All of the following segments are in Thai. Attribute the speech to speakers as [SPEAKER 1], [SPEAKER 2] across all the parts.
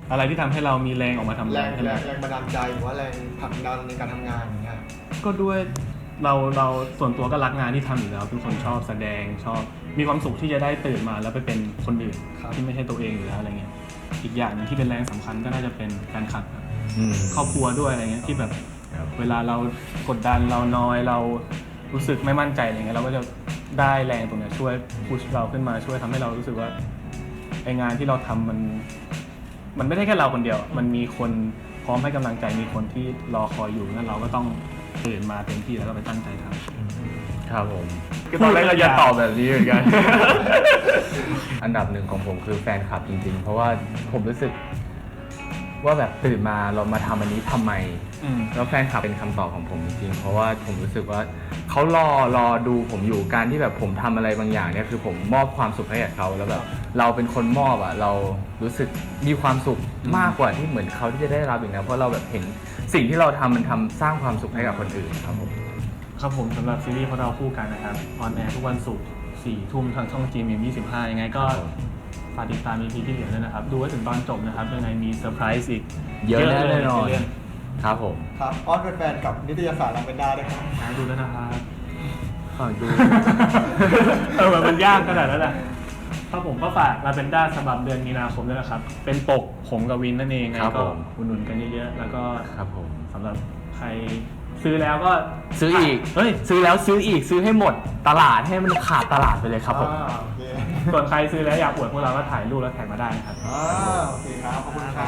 [SPEAKER 1] อะไรที่ทำให้เรามีแรงออกมาทำงาน
[SPEAKER 2] แรงบันดาลใจหรือว่าแรงผลักดันในการทำงานอย่างเงี้ย
[SPEAKER 1] ก็ด้วยเราส่วนตัวก็รักงานที่ทำอยู่แล้วเป็นคนชอบแสดงชอบมีความสุขที่จะได้ตื่นมาแล้วไปเป็นคนอื่นที่ไม่ใช่ตัวเองอยู่แล้วอะไรเงี้ยอีกอย่างนึงที่เป็นแรงสำคัญก็น่าจะเป็นการขับครอบครัวด้วยอะไรเงี้ยที่แบบเวลาเรากดดันเรานอยเรารู้สึกไม่มั่นใจอะไรเงี้ยเราก็จะได้แรงตรงนี้ช่วยพุชเราขึ้นมาช่วยทำให้เรารู้สึกว่าไองานที่เราทำมันไม่ได้แค่เราคนเดียวมันมีคนพร้อมให้กำลังใจมีคนที่รอคอยอยู่งั้นเราก็ต้องตื่นมาเต็มที่แล้วก็ไปตั้งใจทำ
[SPEAKER 3] ครับผมคือตอนแรกเราจะตอบแบบนี้เหมือนกัน อันดับหนึ่งของผมคือแฟนคลับจริงๆเพราะว่าผมรู้สึกว่าแบบตื่นมาเรามาทำอันนี้ทำไมแล้วแฟนคลับเป็นคำตอบของผมจริงๆเพราะว่าผมรู้สึกว่าเขารอดูผมอยู่การที่แบบผมทำอะไรบางอย่างเนี่ยคือผมมอบความสุขให้กับเขาแล้วแบบเราเป็นคนมอบอ่ะเรารู้สึกมีความสุขมากกว่าที่เหมือนเขาที่จะได้รับอย่างนั้นเพราะเราแบบเห็นสิ่งที่เราทำมันทำสร้างความสุขให้กับคนอื่นครับผม
[SPEAKER 1] ครับผมสำหรับซีรีส์พวกเราคู่กันนะครับออนแอร์ทุกวันศุกร์ 4 ทุ่มทางช่อง GMM25 ยังไงก็ฝากติดตาม EP ที่เหลือด้วยนะครับดูไว้ถึงตอนจบนะครับยังไงมีเซอร์ไพรส์อีก
[SPEAKER 3] เยอะแน่นอนครับผม
[SPEAKER 2] ครับอ้อนแฟนกับนิตยสารลังเป็นด้าด้วยครับ
[SPEAKER 1] ดูแล้วนะครับ
[SPEAKER 3] ฝากดู
[SPEAKER 1] แบบมันยากขนาดนั้นนะครับผมก็ฝากลาเวนด้าฉบับเดือนมีนาคมด้วยนะครับเป็นปกผมกับวินนั่นเองไงก็อุดหนุนกันเยอะๆแล้วก็
[SPEAKER 3] ครับผม
[SPEAKER 1] สำหรับใครซื้อแล้วก็
[SPEAKER 3] ซื้ออีกซื้อแล้วซื้ออีกซื้อให้หมดตลาดให้มันขาดตลาดไปเลยครับผม
[SPEAKER 1] ส่วนใครซื้อแล้วอยากอวดพวกเราก็ถ่ายรูปแล้วแท็กมาได้นะครับ
[SPEAKER 2] โอเคครับขอบคุณครับ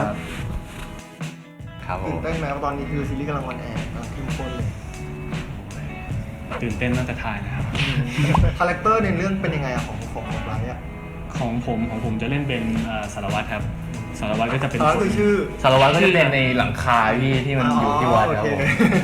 [SPEAKER 3] ครับผม
[SPEAKER 2] ตื่นเต้นไหมตอนนี้คือซีรีส์กำลังออนแอร์กำลังเข้มข้นเลย
[SPEAKER 1] ตื่นเต้นตั้งแต่ถ่ายนะครับ
[SPEAKER 2] คาแรคเตอร์ในเรื่องเป็นยังไงอะของไบรท์อะ
[SPEAKER 1] ของผมจะเล่นเป็นสารวัตรครับสารวัตรก็จะเป็น
[SPEAKER 2] สารวัตรคือชื่อ
[SPEAKER 3] สารวัตรก็จะเป็นในหลังคาที่มันอยู่ที่วัดครับ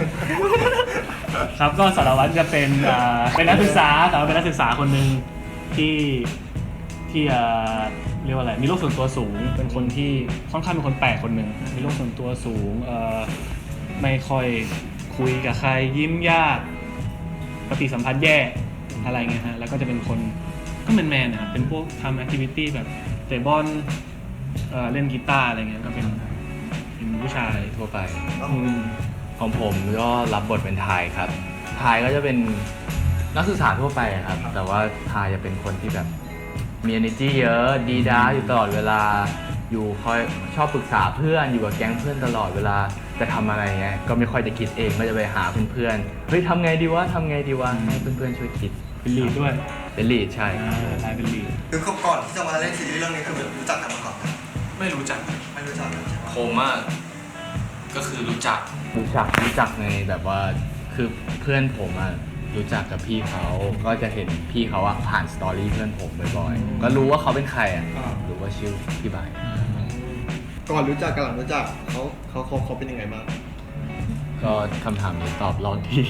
[SPEAKER 1] ครับก็สารวัตรจะเป็นนักศึกษาแต่ว่าเป็นนักศึกษาคนหนึ่งที่เรียกว่าอะไรมีโรคส่วนตัวสูงเป็นคนที่ค่อนข้างเป็นคนแปลกคนหนึ่งมีโรคส่วนตัวสูงไม่ค่อยคุยกับใครยิ้มยากปฏิสัมพันธ์แย่อะไรเงี้ยฮะแล้วก็จะเป็นคนก็แมนนะครับเป็นพวกทำแอคทิวิตี้แบบเตะบอลเล่นกีตาร์อะไรเงี้ยก็เป็นผู้ชาย
[SPEAKER 3] ทั่วไปของผมก็รับบทเป็นทายครับทายก็จะเป็นนักศึกษาทั่วไปครับแต่ว่าทายจะเป็นคนที่แบบมี energy เยอะดีด้าอยู่ตลอดเวลาอยู่คอยชอบปรึกษาเพื่อนอยู่กับแก๊งเพื่อนตลอดเวลาจะทำอะไรเงี้ยก็ไม่ค่อยจะคิดเองก็จะไปหาเพื่อนๆเฮ้ยทำไงดีวะให้เพื่อนๆช่วยคิด
[SPEAKER 1] เป็นลีดด้วย
[SPEAKER 3] เป็นลีดใช่
[SPEAKER 1] ทายเป็นลีด
[SPEAKER 2] คือก่อนที่จะมาเล่นซีรีส์เรื่องนี้คือรู้จักกันมาก่อน
[SPEAKER 4] ไม่รู้จักผมก็คือรู้
[SPEAKER 3] จักในแบบว่าคือเพื่อนผมรู้จักกับพี่เขาก็จะเห็นพี่เขาผ่านสตอรี่เพื่อนผมบ่อยๆก็รู้ว่าเขาเป็นใครรู้ว่าชื่อพี่บาย
[SPEAKER 2] ก่อนรู้จักกับหลังรู้จักเขาเป็นยังไงบ้าง
[SPEAKER 3] ก็คำถามนี้ตอบรอบที่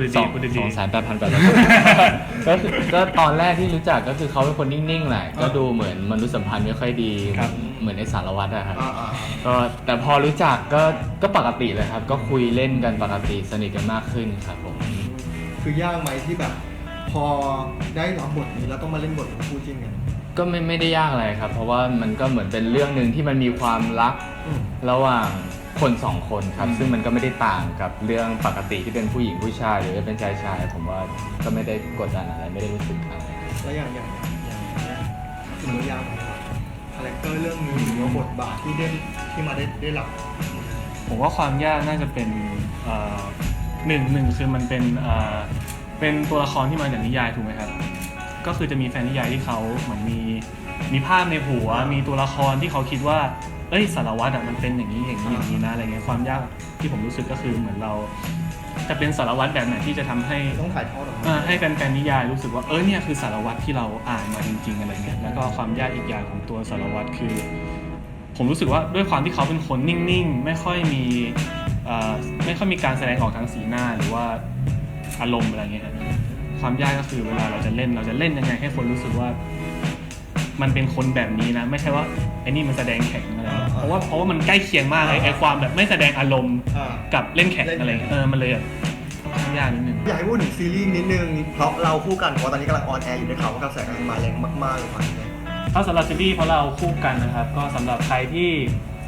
[SPEAKER 3] ก็ตอนแรกที่รู้จักก็คือเขาเป็นคนนิ่งๆแหละก็ดูเหมือนมนุษยสัมพันธ์ไม่ค่อยดีเหมือนในสารวัตรครับก็แต่พอรู้จักก็ปกติเลยครับก็คุยเล่นกันปกติสนิทกันมากขึ้นครับผม
[SPEAKER 2] คือยากไหมที่แบบพอได้รับบทนี้แล้วต้องมาเล่นบทเป็นคู่จิ้นกัน
[SPEAKER 3] ก็ไม่ได้ยากอะไรครับเพราะว่ามันก็เหมือนเป็นเรื่องนึงที่มันมีความรักระหว่างคนสองคนครับซึ่งมันก็ไม่ได้ต่างกับเรื่องปกติที่เป็นผู้หญิงผู้ชายหรือเป็นชายผมว่าก็ไม่ได้กดดันอะไรไม่ได้รู้สึกอะไร
[SPEAKER 2] แล้วอย่างถือว่ายากไหมครับคาแรคเตอร์เรื่องนี้หรือว่าบทบาทที่มาได้รับ
[SPEAKER 1] ผมว่าความยากน่าจะเป็นหนึ่งคือมันเป็นตัวละครที่มาจากนิยายถูกไหมครับก็คือจะมีแฟนนิยายที่เขาเหมือนมีภาพในหัวมีตัวละครที่เขาคิดว่าสารวัตรมันเป็นอย่างนี้นะอะไรเงี้ยความยากที่ผมรู้สึกก็คือเหมือนเราจะเป็นสารวัตรแบบไหนที่จะทำให้
[SPEAKER 2] ต้องถ่ายทอดออกมา
[SPEAKER 1] ให้แฟนนิยายรู้สึกว่าเนี่ยคือสารวัตรที่เราอ่านมาจริงๆอะไรเงี้ยแล้วก็ความยากอีกอย่างของตัวสารวัตรคือผมรู้สึกว่าด้วยความที่เขาเป็นคนนิ่งๆไม่ค่อยมีการแสดงออกทางสีหน้าหรือว่าอารมณ์อะไรเงี้ยความยากก็คือเวลาเราจะเล่นยังไงให้คนรู้สึกว่ามันเป็นคนแบบนี้นะไม่ใช่ว่าไอ้นี่มันแสดงแข็งอะไรเพราะว่ามันใกล้เคียงมากเลยไอ้ความแบบไม่แสดงอารมณ์กับเล่นแข็งอะไรมันเลยค่อนข้างยากนิดนึง
[SPEAKER 2] อยากให้พูดถึงซีรีส์นิดนึงเพราะเราคู่กันเพราะตอนนี้กำลังออนแอร์อยู่ในข่าวว่ากระแสกำลังมาแรงมากๆเลยครับ
[SPEAKER 1] ถ้าสำหรับซีรีส์เพราะเราคู่กันนะครับก็สำหรับใครที่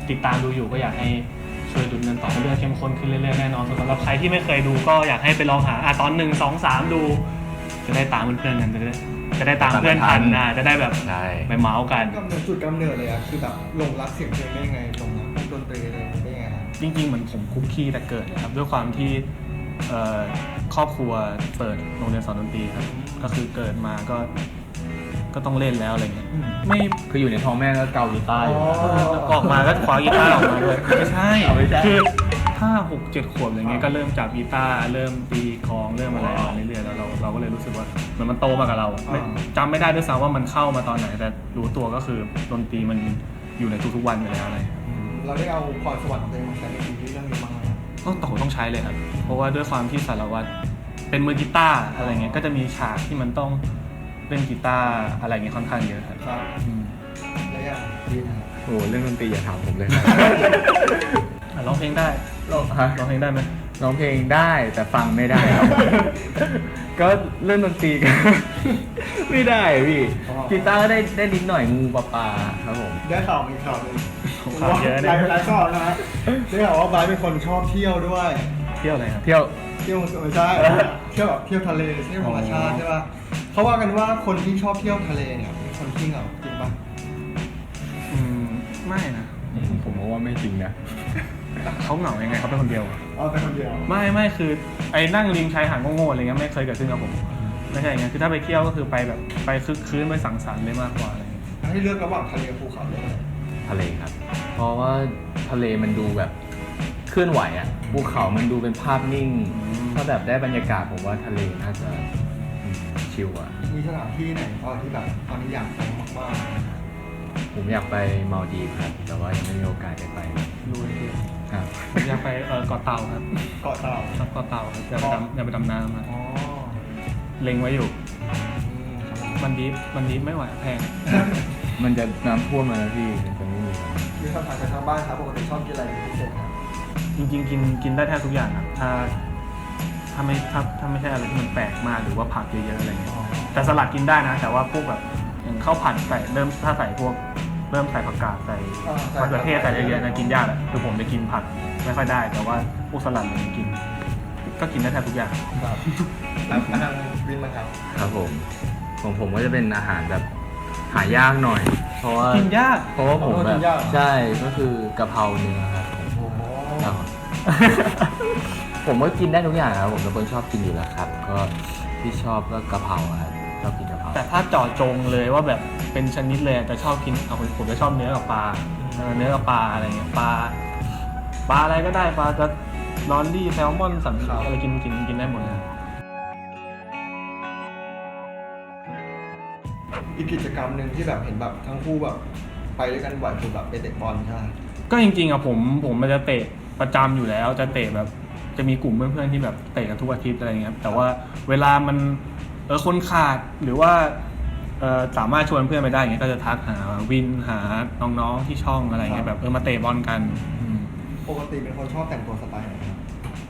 [SPEAKER 1] ติดตามดูอยู่ก็อยากให้ช่วยดูกันต่อเรื่องเข้มข้นขึ้นเรื่อยๆแน่นอนสำหรับใครที่ไม่เคยดูก็อยากให้ไปลองหาตอน 1 2 3 ดู จะได้ตามเพื่อนๆกันจะได้ตามเพื่อนทันจะได้แบบ
[SPEAKER 3] ใช่
[SPEAKER 1] ไปเมาส์กัน
[SPEAKER 2] จุดกำเนิดเลยอะคือแบบหลงรักเสียงเพลงได้ยังไงหลงรักพวกดนตรีอะไรได้ยังไงครับ
[SPEAKER 1] จริงๆเหมือนผมคุกคีแต่เกิดเลยครับด้วยความที่ครอบครัวเปิดโรงเรียนสอนดนตรีครับก็คือเกิดมาก็ต้องเล่นแล้วอะไรเงี้ยไม่
[SPEAKER 3] คืออยู่ในท้องแม่ก็เกากีตาร์อยู่
[SPEAKER 1] ออกมาก็คว้ากีตาร์ออกมาเลยไม่ใช่
[SPEAKER 3] ไม่ใช่
[SPEAKER 1] คือถ้า6-7 ขวบอะไรเงี้ยก็เริ่มจับกีตาร์เริ่มตีกลองเริ่มอะไรมาเรื่อยๆแล้วเราก็เลยรู้สึกว่าเหมือนมันโตมากับเราจำไม่ได้ด้วยซ้ำว่ามันเข้ามาตอนไหนแต่รู้ตัวก็คือดนตรีมันอยู่ในทุกๆวันอยู่แล้วอะไร
[SPEAKER 2] เราได้เอาพรสวรรค์ของตัวเองมาใช้ในซีรีส์เรื่องนี้บ้างไหมครับ
[SPEAKER 1] ต้องใช้เลยครับเพราะว่าด้วยความที่สารวัตรเป็นมือกีตาร์อะไรเงี้ยก็จะมีฉากที่มันต้องเล่นกีตาร์อะไรเงี้ยค่อนข้างเยอะครับ
[SPEAKER 2] ครับ
[SPEAKER 1] อืม
[SPEAKER 2] และอย่างดีนะครับ
[SPEAKER 3] โอ้เรื่องดนตรีอย่าถามผมเลยครับ
[SPEAKER 1] ร้องเพลงได้ร้องเพลงได้ไหม
[SPEAKER 3] ร้องเพลงได้แต่ฟังไม่ได้ครับ ก็เรื่องดนตรีก็ ไม่ได้พี่กีตาร์ก็ได้นิดหน่อยงูปลาปลาครับผม
[SPEAKER 2] ได้ข่าวมีข่าวหนึง
[SPEAKER 1] ข่าวเยอะ
[SPEAKER 2] ห
[SPEAKER 1] เนี่ย
[SPEAKER 2] ลายข่าวนะฮะได้ข่าวว่าบายเป็นคนชอบเที่ยวด้วย
[SPEAKER 1] เที่ยวอะไรครับ
[SPEAKER 3] เที่ยว
[SPEAKER 2] เที่ยวไม่ใช่เที่ยวแบบเที่ยวทะเลเที่ยวธรรมชาติใช่ป่ะเขาว่ากันว่าคนที่ชอบเที่ยวทะเลเนี่ยเป็นคนที่เหงาจริงป่ะ
[SPEAKER 1] ไม่นะ
[SPEAKER 3] ผมว่าไม่จริงนะ
[SPEAKER 1] เขาเหงายังไงเขาเป็นคนเดียวอะ
[SPEAKER 2] อ๋อเป็นคนเดียว
[SPEAKER 1] ไม่คือไอ้นั่งริมชายหาดโง่ๆอะไรเงี้ยไม่เคยเกิดขึ้นกับผมไม่ใช่อย่างเงี้ยคือถ้าไปเที่ยวก็คือไปแบบไปคึกคืนไปสังสรรค์เลยมากกว่าอะไรเงี้ย
[SPEAKER 2] ให้เลือกระหว่างทะเลภูเขาเลย
[SPEAKER 3] ทะเลครับ เพราะว่าทะเลมันดูแบบเคลื่อนไหวอ่ะภูเขามันดูเป็นภาพนิ่ง ถ้าแบบได้บรรยากาศผมว่าทะเลน่าจะชิลอ่ะ
[SPEAKER 2] มีสถานที่ไหนที่แบบตอนนี้อยากไปมาก
[SPEAKER 3] ผมอยากไปมาลดีฟครับ แต่ว่ายังไม่มีโอกาสได้ไป
[SPEAKER 1] ดูไอ้เที่ยว
[SPEAKER 3] ครับ
[SPEAKER 1] ผมอยากไปเกาะเต่าครับ
[SPEAKER 2] ๆเกาะเต่า
[SPEAKER 1] ครับเกาะเต่าครับอยากไปดำน้ำครับ
[SPEAKER 2] อ๋อ
[SPEAKER 1] เล็งไว้อยู่
[SPEAKER 2] ครับ
[SPEAKER 1] มันดิฟไม่ไหวแพง
[SPEAKER 3] มันจะน้ำท่วมมาแล้วพี่มันจะไม่มีแล้ว
[SPEAKER 2] มีคำถามจากทางบ้านครับปกติชอบกินอะไรเป็นพิเศษครับ
[SPEAKER 1] จริงๆกินได้แทบทุกอย่างครับถ้าไม่ใช่อะไรที่มันแปลกมากหรือว่าผักเยอะๆอะไรเงี้ยแต่สลัดกินได้นะ แต่ว่าพวกแบบอย่างข้าวผัดใส่ถ้าใส่พวกเริ่มใส่ผักกาดใส่มะเขือเทศใส่เยอะๆนะกินยากอะคือผมจะกินผักไม่ค่อยได้ แต่ว่าพวกสลัดอะไรเงี้ยกิน ก็กินได้แทบทุกอย่าง
[SPEAKER 2] ครับแล้วทางวินมั้งครับ
[SPEAKER 3] ครับผมของผมก็จะเป็นอาหารแบบหายากหน่อย เพราะว่า
[SPEAKER 1] กินยาก
[SPEAKER 3] เพราะว่าผม
[SPEAKER 2] กิ
[SPEAKER 3] แบบ
[SPEAKER 2] นยากเหรอ
[SPEAKER 3] ใช่ก็คือกะเพราเนื้อครับผม
[SPEAKER 2] โอ้โห
[SPEAKER 3] ครับ ผมก็กินได้ทุกอย่างครับผมเป็นคนชอบกินอยู่แล้วครับ ก็ที่ชอบก็กะเพราครับชอบกินกะเพรา
[SPEAKER 1] แต่ถ้าเจาะจงเลยว่าแบบเป็นชนิดเลยจะชอบกินผมจะชอบเนื้อกับปลาเนื้อกับปลาอะไรเงี้ยปลาอะไรก็ได้ปลาจะลอนดี้แซลมอนสันขาวอะไรกินได้หมดเลย
[SPEAKER 2] อีกกิจกรรมหนึ่งที่แบบเห็นแบบทั้งคู่แบบไปด้วยกันบ่อยคือแบบไปเตะบอลใช่ไหม
[SPEAKER 1] ก็จริงๆอะผมมันจะเตะประจำอยู่แล้วจะเตะแบบจะมีกลุ่มเพื่อนๆที่แบบเตะกันทุกอาทิตย์อะไรเงี้ยครับแต่ว่าเวลามันคนขาดหรือว่าสามารถชวนเพื่อนไปได้เงี้ยก็จะทักหาวินหาน้องๆที่ช่องอะไรเงี้ยแบบมาเตะบอลกัน
[SPEAKER 2] ปกติเป็นคนชอบแต่งตัวสไตล์ไหนครับ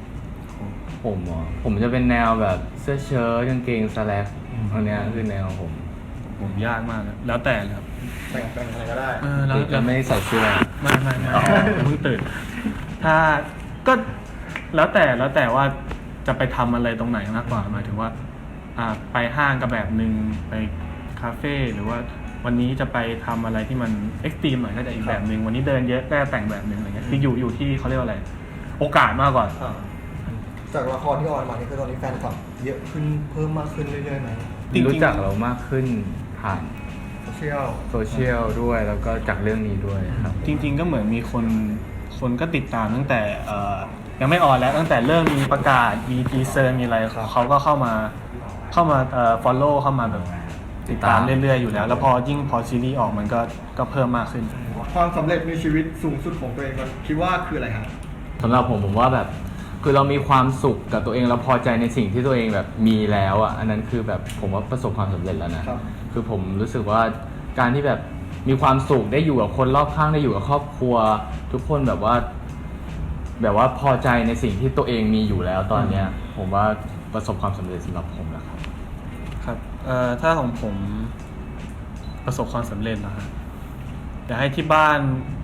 [SPEAKER 3] ผมจะเป็นแนวแบบเสื้อเชิ้ตกางเกงสแลกอันเนี้ยคือแนวผม
[SPEAKER 1] ผมยากมากนะแล้วแต่เลยครับ
[SPEAKER 2] แต่งอะไรก็ได้
[SPEAKER 1] แล้ว
[SPEAKER 3] จะไม่ใส่เสื้อ
[SPEAKER 1] ไม่เพิ่งตื่น ถ้าก็แล้วแต่ว่าจะไปทำอะไรตรงไหนมากกว่าหมายถึงว่าไปห้างก็แบบนึงไปคาเฟ่หรือว่าวันนี้จะไปทำอะไรที่มันเอ็กซ์ตรีมหน่อยก็จะอีกแบบนึงวันนี้เดินเยอะก็จะแต่งแบบนึงอะไรเงี้ยคืออยู่ที่เขาเรียกว่าอะไรโอกาสมากกว่า
[SPEAKER 2] จากละครที่ออนมานี่คือตอนนี้แฟนคลับเยอะขึ้นเพิ่มมากขึ้นเรื่อยๆไหม
[SPEAKER 1] จริงๆ
[SPEAKER 3] รู้จักเรามากขึ้นผ่าน
[SPEAKER 2] โซเชียล
[SPEAKER 3] โซเชียลด้วยแล้วก็จากเรื่องนี้ด้วยครับ
[SPEAKER 1] จริงๆก็เหมือนมีคนก็ติดตามตั้งแต่ยังไม่ออนแล้วตั้งแต่เริ่มมีประกาศมีทีเซอร์มีอะไรเขาก็เข้ามาfollow เข้ามาแบบติดตามเรื่อยๆอยู่แล้วแล้วพอซีรีส์ออกมันก็เพิ่มมากขึ้น
[SPEAKER 2] ความสำเร็จในชีวิตสูงสุดของตัวเองมันคิดว่าคืออะไรครับ
[SPEAKER 3] สำหรับผมว่าแบบคือเรามีความสุขกับตัวเองเราพอใจในสิ่งที่ตัวเองแบบมีแล้วอ่ะอันนั้นคือแบบผมว่าประสบความสำเร็จแล้วนะครับ คือผมรู้สึกว่าการที่แบบมีความสุขได้อยู่กับคนรอบข้างได้อยู่กับครอบครัว ทุกคนแบบว่าพอใจในสิ่งที่ตัวเองมีอยู่แล้วตอนเนี้ย ผมว่าประสบความสำเร็จสำหรับผมแล้วครับ
[SPEAKER 1] ครับถ้าของผมประสบความสำเร็จนะครับอยากให้ที่บ้าน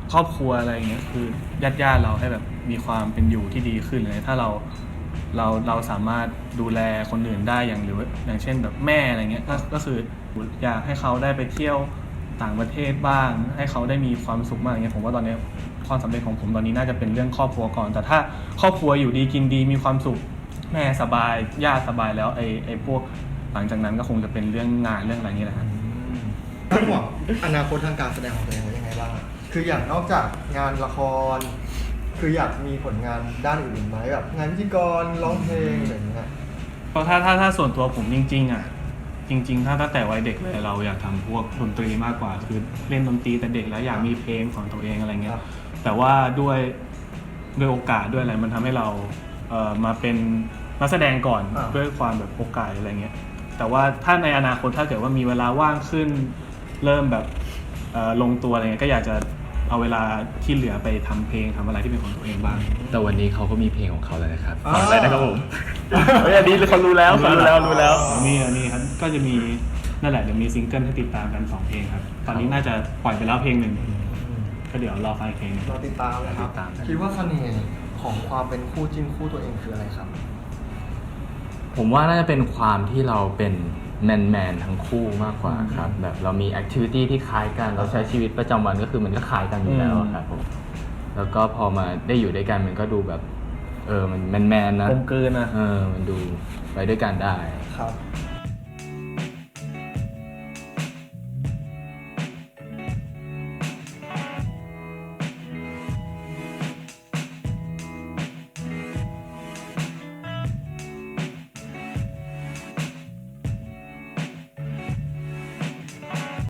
[SPEAKER 1] ครอบครัวอะไรอย่างเงี้ยคือญาติเราให้แบบมีความเป็นอยู่ที่ดีขึ้นเลยถ้าเราสามารถดูแลคนอื่นได้อย่างเช่นแบบแม่อะไรเงี้ยก็คืออยากให้เขาได้ไปเที่ยวต่างประเทศบ้าง ให้เขาได้มีความสุขมากอย่างเงี้ยผมว่าตอนนี้ความสำเร็จของผมตอนนี้น่าจะเป็นเรื่องครอบครัวก่อน แต่ถ้าครอบครัวอยู่ดีกินดีมีความสุขแม่สบายญาติสบายแล้วไอ้พวกหลังจากนั้นก็คงจะเป็นเรื่องงานเรื่องอะไรนี่แหละครับ
[SPEAKER 2] คาดหวังอนาคตทางการแสดงของตัวเองไว้ยังไงบ้างคืออย่างนอกจากงานละคร คืออยากมีผลงานด้านอื่นไหมแบบงานพิธีกรร้องเพลงอะไรอย่างเงี้ย
[SPEAKER 1] เพราะถ้าส่วนตัวผมจริงๆอ่ะจริงๆถ้าตั้งแต่วัยเด็กเลยเราอยากทำพวกดนตรีมากกว่าคือเล่นดนตรีแต่เด็กแล้วอยากมีเพลงของตัวเองอะไรเงี้ยแต่ว่าด้วยโอกาสด้วยอะไรมันทำให้เรามาเป็นนักแสดงก่อนด้วยความแบบโอกาสอะไรเงี้ยแต่ว่าถ้าในอนาคตถ้าเกิดว่ามีเวลาว่างขึ้นเริ่มแบบลงตัวอะไรเงี้ยก็อยากจะเอาเวลาที่เหลือไปทำเพลงทำอะไรที่เป็นของตัวเองบ้าง
[SPEAKER 3] แต่วันนี้เขาก็มีเพลงของเขาแล้วนะครับ
[SPEAKER 2] อ่า
[SPEAKER 3] ฟังได้นะครับผมเฮ้ยอันนี้เขารู้แล้วรู้แล้ว
[SPEAKER 1] มีอันนี้ครับก็จะมีนั่นแหละเดี๋ยวมีซิงเกิลให้ติดตามกัน2เพลงครับตอนนี้น่าจะปล่อยไปแล้วเพลงหนึ่งก็เดี๋ยวรอฟังอีกเพลงหนึง
[SPEAKER 2] เราติดตามนะครับคิดว่าเสน่ห์ของความเป็นคู่จิ้นคู่ตัวเองคืออะไรครับ
[SPEAKER 3] ผมว่าน่าจะเป็นความที่เราเป็นแมนทั้งคู่มากกว่าครับแบบเรามีแอคทิวิตี้ที่คล้ายกันเราใช้ชีวิตประจำวันก็คือมันก็คล้ายกันอยู่แล้วอะครับผมแล้วก็พอมาได้อยู่ด้วยกันมันก็ดูแบบมันแมนนะ
[SPEAKER 1] กลมกลืนนะ
[SPEAKER 3] มันดูไปด้วยกันได้
[SPEAKER 2] ครับ